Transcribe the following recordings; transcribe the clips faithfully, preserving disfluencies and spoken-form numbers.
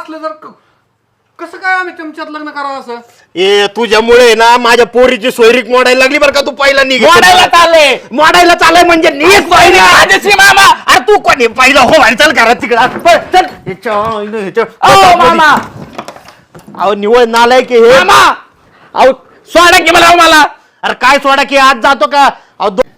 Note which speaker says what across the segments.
Speaker 1: असलं जर कसं काय आम्ही तुमच्यात लग्न करावं असं?
Speaker 2: ए तुझ्यामुळे ना माझ्या पोरीची सोयरीक मोडायला लागली बरं का. तू पहिला निघ.
Speaker 3: मोडायला चालले
Speaker 2: मोडायला चालय म्हणजे नीच पहिला
Speaker 3: राजश्री मामा.
Speaker 2: अरे तू कोणी पहिला हो बाहेर चल घरात तिकडे चल. ह्याच्या- ह्याच्या-
Speaker 3: अहो मामा
Speaker 2: अहो निवळ नालाय की हे.
Speaker 3: मामा अहो सोडा की मला मला
Speaker 2: अरे काय सोडा की आज जातो का? अहो दो-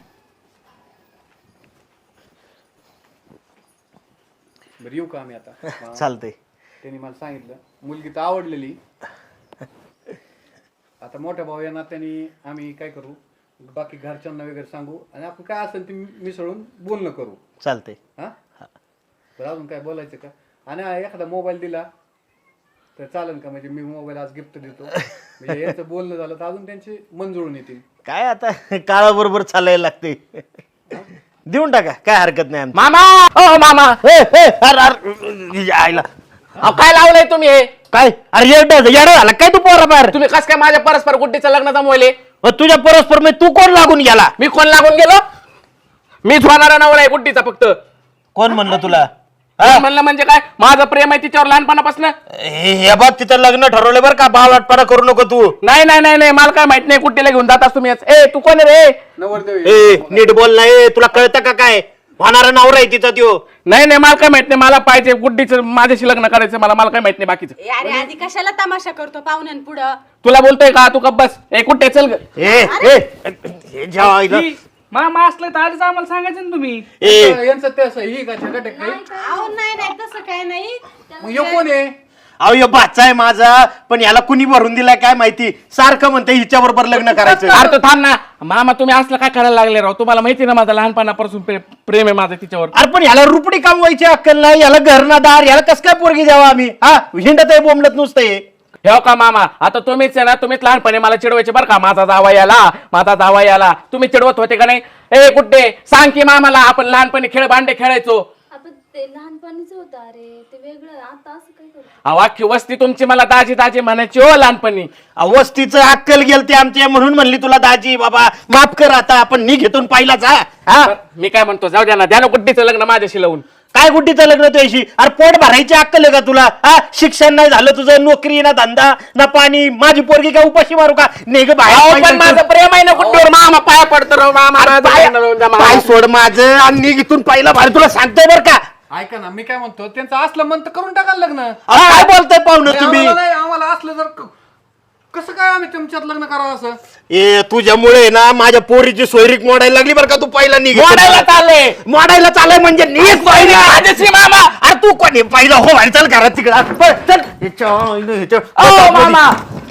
Speaker 1: बरं येऊ का आम्ही आता?
Speaker 2: चालतंय.
Speaker 1: त्यांनी मला सांगितलं मुलगी तर आवडलेली. आता मोठ्या भाऊ यांना त्यांनी आम्ही काय करू, बाकी घरच्यांना वगैरे सांगू आणि आपण काय असेल ते मिसळून बोलणं करू.
Speaker 2: चालतंय.
Speaker 1: हा बरं अजून काय बोलायचं का? आणि एखादा मोबाईल दिला तर चालेल का? म्हणजे मी मोबाईल आज गिफ्ट देतो म्हणजे यांचं बोलणं झालं तर अजून त्यांचे मन जुळून येतील.
Speaker 2: काय आता काळाबरोबर चालायला लागते. देऊन टाका काय हरकत नाही.
Speaker 3: मामा ओ मामा
Speaker 2: ए, ए, अरे, अरे, आईला
Speaker 3: अहो काय लावलंय तुम्ही हे?
Speaker 2: काय अरे येडा येडा झाला काय तू पोरा बाहेर?
Speaker 3: तुम्ही कस काय माझ्या परस्पर गुड्डीचं लग्न जमवले?
Speaker 2: तुझ्या परस्पर मी तू कोण लागून गेला?
Speaker 3: मी कोण लागून गेलो? मीच होणारा नवरा आहे गुड्डीचा फक्त.
Speaker 2: कोण म्हणलं तुला?
Speaker 3: कोण म्हणलं म्हणजे काय? माझं प्रेम आहे तिच्यावर लहानपणापासून.
Speaker 2: हे हे बघ तिचं लग्न ठरवलं बरं का. बावळटपणा करू नको तू.
Speaker 3: नाही नाही नाही नाही मला काय माहित नाही गुड्डीला घेऊन जातास तुम्ही. ए तू कोण रे?
Speaker 1: नवरदेव
Speaker 2: ए नीट बोल ना. ए तुला कळतं का काय? होणारा नवरा आहे तिचा त्यो.
Speaker 3: नाही नाही मला काय माहित नाही. मला पाहिजे गुड्डीचं माझ्याशी लग्न करायचं. मला मला काय माहित नाही बाकीचं.
Speaker 4: ए, अरे आधी कशाला तमाशा करतो पाहुण्यान पुढं?
Speaker 3: तुला बोलतोय का? तू कप बस. ए कुठे चल ग.
Speaker 2: ए ए हे जेव्हा आईला-
Speaker 5: मामा असलं तर आधीच आम्हाला सांगायचं ना तुम्ही.
Speaker 2: ए
Speaker 1: यांचं ते असं ही का छगट आहे काही?
Speaker 4: अहो नाही नाही तसं काय नाही.
Speaker 1: मग ह्यो कोण आहे?
Speaker 2: अहो यो बाचा आहे माझा. पण याला कुणी भरून दिलाय काय माहिती. सारखं म्हणते हिच्या बरोबर लग्न करायचं.
Speaker 3: अरे तू थांब ना मामा. तुम्ही असलं काय करायला लागले राव? तुम्हाला माहिती ना माझं लहानपणापासून प्रे- प्रेम आहे माझं तिच्यावर.
Speaker 2: अरे पण याला रुपडी कमवायची अक्कल नाही. याला घरनादार. याला कस काय पोरगी द्यावा आम्ही? हा हिंडत आहे बोंबलत नुसतं हे.
Speaker 3: हे का मामा आता तुम्हीच आहे ना. तुम्हीच लहानपणी मला चिडवायचे बरं का. माझा जावा याला माझा जावा याला. तुम्ही चिडवत होते का नाही? ए कुठे सांग की मामाला. आपण लहानपणी खेळ भांडे खेळायचो.
Speaker 6: आपण ते लहानपणीच होतं. अरे ते वेगळं. आता असं काय करतो?
Speaker 3: अहो अख्खी वस्ती तुमची मला दाजी दाजी म्हणायची हो लहानपणी.
Speaker 2: अवस्थीचं अक्कल गेलते आमच्या म्हणून म्हणली तुला दाजी बाबा माफ कर. आता आपण नी घेतून पाहिला जा. हा
Speaker 3: मी काय म्हणतो जाऊ द्या ना. द्या ना गुड्डीचं लग्न माझ्याशी लावून.
Speaker 2: काय गुड्डीचं लग्न तुझ्याशी? अरे पोट भरायची अक्कल आहे का तुला? हा शिक्षण नाही झालं तुझं. नोकरी ना धंदा ना पाणी. माझी पोरगी काय उपाशी मारू का? नेग
Speaker 3: अहो, पण
Speaker 2: बाहेर
Speaker 3: माझं प्रेम आहे ना गुड्डीवर. मामा पाया पडतो राव मामा. माझं लग्न लावून द्या मामा.
Speaker 2: पाय सोड माझं आणि नी घेतून पाहिला बाहेर. तुला सांगतोय बरं का.
Speaker 1: ऐका ना मी काय म्हणतो, त्यांचं असलं मन तर करून टाकाल लग्न.
Speaker 2: अहो, काय बोलताय पाहुणं तुम्ही?
Speaker 1: आम्हाला नाही, आम्हाला असलं जर क- कसं काय आम्ही तुमच्यात लग्न करावं असं?
Speaker 2: ए तुझ्यामुळे ना माझ्या पोरीची सोयरीक मोडायला लागली बरं का. तू पहिला निघ.
Speaker 3: मोडायला चालले.
Speaker 2: मोडायला चालय म्हणजे नीच पहिला.
Speaker 3: राजश्री मामा.
Speaker 2: अरे तू कोणी पहिला हो बाहेर चल घरात तिकडे चल. ह्याच्या- ह्याच्या-
Speaker 3: अहो मामा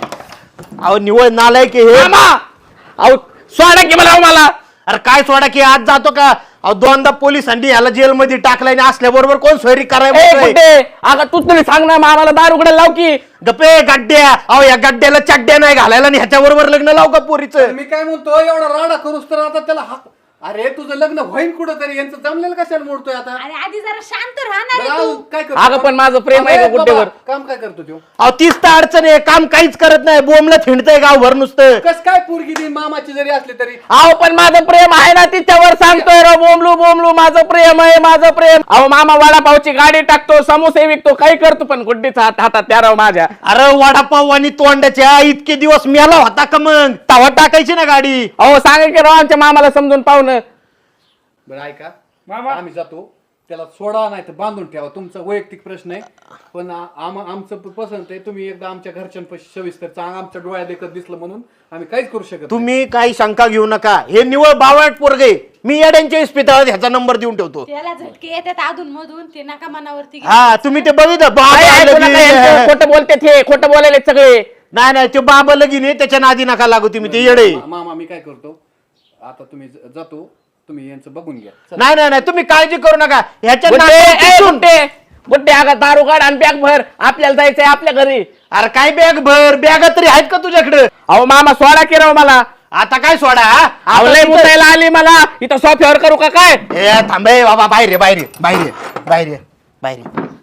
Speaker 2: अहो निवळ नालाय की हे.
Speaker 3: मामा अहो सोडा की मला मला.
Speaker 2: अरे काय सोडा की आज जातो का? अहो दोनदा पोलिसांनी याला जेलमध्ये टाकलाय आणि असल्याबरोबर कोण सोयरी
Speaker 3: ए
Speaker 2: करायला?
Speaker 3: कुठे अगं तू तरी सांग ना मामाला दार उघडायला लाव की.
Speaker 2: गप्पे गड्ड्या. अहो या गड्ड्याला चड्ड्या नाही घालायला आणि ह्याच्या बरोबर लग्न लाव का पोरीचं?
Speaker 1: मी काय म्हणतो, एवढा राडा करूस तर आता त्याला हाक. अरे तुझं लग्न होईन कुठं तरी. यांचं जमलेलं कशाला मोडतोय आता?
Speaker 4: अरे आधी जरा शांत राहणार
Speaker 1: बरं,
Speaker 4: आहे
Speaker 1: अजून
Speaker 4: तू.
Speaker 1: काय करतो?
Speaker 3: अगं पण माझं प्रेम आहे
Speaker 1: अरे
Speaker 3: का गुड्डेवर?
Speaker 1: बाबा, काम काय करतो तो?
Speaker 2: अहो तीच तर अडचण आहे. काम काहीच करत नाही. बोमला थिंडतंय गावभर नुसतं.
Speaker 1: कस काय पोरगी देईन मामाची जरी असली तरी?
Speaker 3: अहो पण माझं प्रेम आहे ना तिच्यावर. सांगतोय राव बोमलू बोमलू. माझं प्रेम आहे माझं प्रेम. अहो मामा वडापावची गाडी टाकतो समोसे विकतो काही करतो पण गुड्डीचा हात हातात त्या राव माझ्या.
Speaker 2: अरे वडापाव आणि तोंडाच्या इतके दिवस मेला होता का मग? तवा टाकायची ना गाडी.
Speaker 3: अहो सांगा की राव आमच्या मामाला समजून पाहुणं.
Speaker 1: बरं ऐका
Speaker 5: मामा.
Speaker 1: आम्ही जातो. त्याला सोडा नाही तर बांधून ठेवा. तुमचा वैयक्तिक प्रश्न आहे. पण आ- आम- आमचं प- पसंत आहे. तुम्ही एकदा आमच्या घरच्यांपाशी सविस्तर चांग आमच्या डोळ्यात देखत दिसलं म्हणून आम्ही काहीच करू शकत नाही.
Speaker 2: तुम्ही काही शंका घेऊ नका. हे निवळ बावळट पोरगे. मी येड्यांच्या इस्पितळात ह्याचा नंबर देऊन ठेवतो.
Speaker 4: त्याला झटके येतात अधून मधून. ते नका मनावरती घेऊ.
Speaker 2: हा तुम्ही ते बघितलं बाबा
Speaker 3: काय ऐकू नका यांचं.
Speaker 2: लगीन.
Speaker 3: खोटं बोलते ते. खोटं बोलायले सगळे.
Speaker 2: नाही नाही ते बाबा लगीन आहे त्याच्या नादी नका लागू तुम्ही. ते येडे.
Speaker 1: मा- मामा मी काय करतो आता, तुम्ही ज- जातो तुम्ही यांचं बघून घ्या. चला.
Speaker 2: नाही नाही नाही तुम्ही काळजी करू नका. ह्याच्या
Speaker 3: गुड्डे ए,
Speaker 2: नादी-
Speaker 3: गुड्डे गुड्डे अगं दारू काढ आणि बॅग भर. आपल्याला जायचंय आपल्या घरी.
Speaker 2: अरे काय बॅग भर. बॅग तरी आहेत का तुझ्याकडे?
Speaker 3: अहो मामा सोडा की राव मला.
Speaker 2: आता काय सोडा? हा?
Speaker 3: अहो
Speaker 2: आता
Speaker 3: लय
Speaker 2: तिथं-
Speaker 3: मुतायला आली मला. इथं सोफ्यावर करू का काय?
Speaker 2: ए थांबे बाबा. बाहेर ये, बाहेर ये, बाहेर ये, बाहेर ये, बाहेर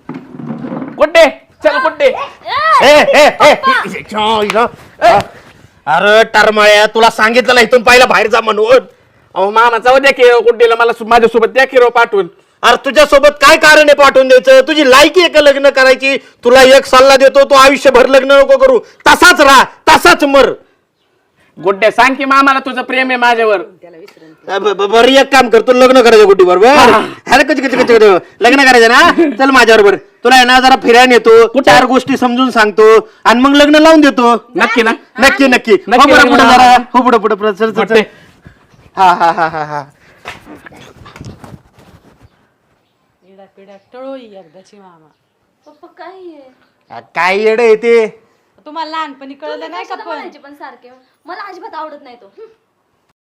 Speaker 2: ये.
Speaker 3: गुड्डे चल गुड्डे.
Speaker 2: ए, ए, ए, इ- इथं, इथं. अरे टरमाळ्या तुला सांगितलं इथून पहिला बाहेर जा म्हणून.
Speaker 3: अहो मामा जाऊ द्या की गुड्डीला मला सु- माझ्यासोबत द्या की राव पाठवून.
Speaker 2: अरे तुझ्यासोबत काय कारण आहे पाठवून द्यायचं? तुझी लायकी आहे का लग्न करायची? तुला एक सल्ला देतो, तू आयुष्यभर लग्न नको करू, तसाच राहा, तसाच मर.
Speaker 3: गुड्डे सांग की मामाला तुझं प्रेम आहे माझ्यावर.
Speaker 2: ब- ब- बरं एक काम कर, तू लग्न करायचं गुड्डी बरोबर. अरे कच कच कच लग्न करायचं ना, चल माझ्या बरोबर. तुला आहे ना जरा फिरायला नेतो, चार गोष्टी समजून सांगतो आणि मग लग्न लावून देतो.
Speaker 3: नक्की ना?
Speaker 2: नक्की नक्की. हो
Speaker 3: नक्की
Speaker 2: बरं,
Speaker 3: लग्न
Speaker 2: पुढे
Speaker 3: लावा.
Speaker 2: जरा हो पुढे पुढे पुढे चल चल चल.
Speaker 3: गुड्डे.
Speaker 2: हा हा हा हा हा
Speaker 4: पिढ्या पिढ्या टळोई एकदाची मामा.
Speaker 6: पप्पा काय आहे?
Speaker 2: आ, काय येडं आहे ते.
Speaker 4: तुम्हाला लहानपणी कळलं नाही का
Speaker 6: कशाला
Speaker 4: पण
Speaker 6: म्हणायचे पण सारखे मला अजिबात आवडत नाही तो हं.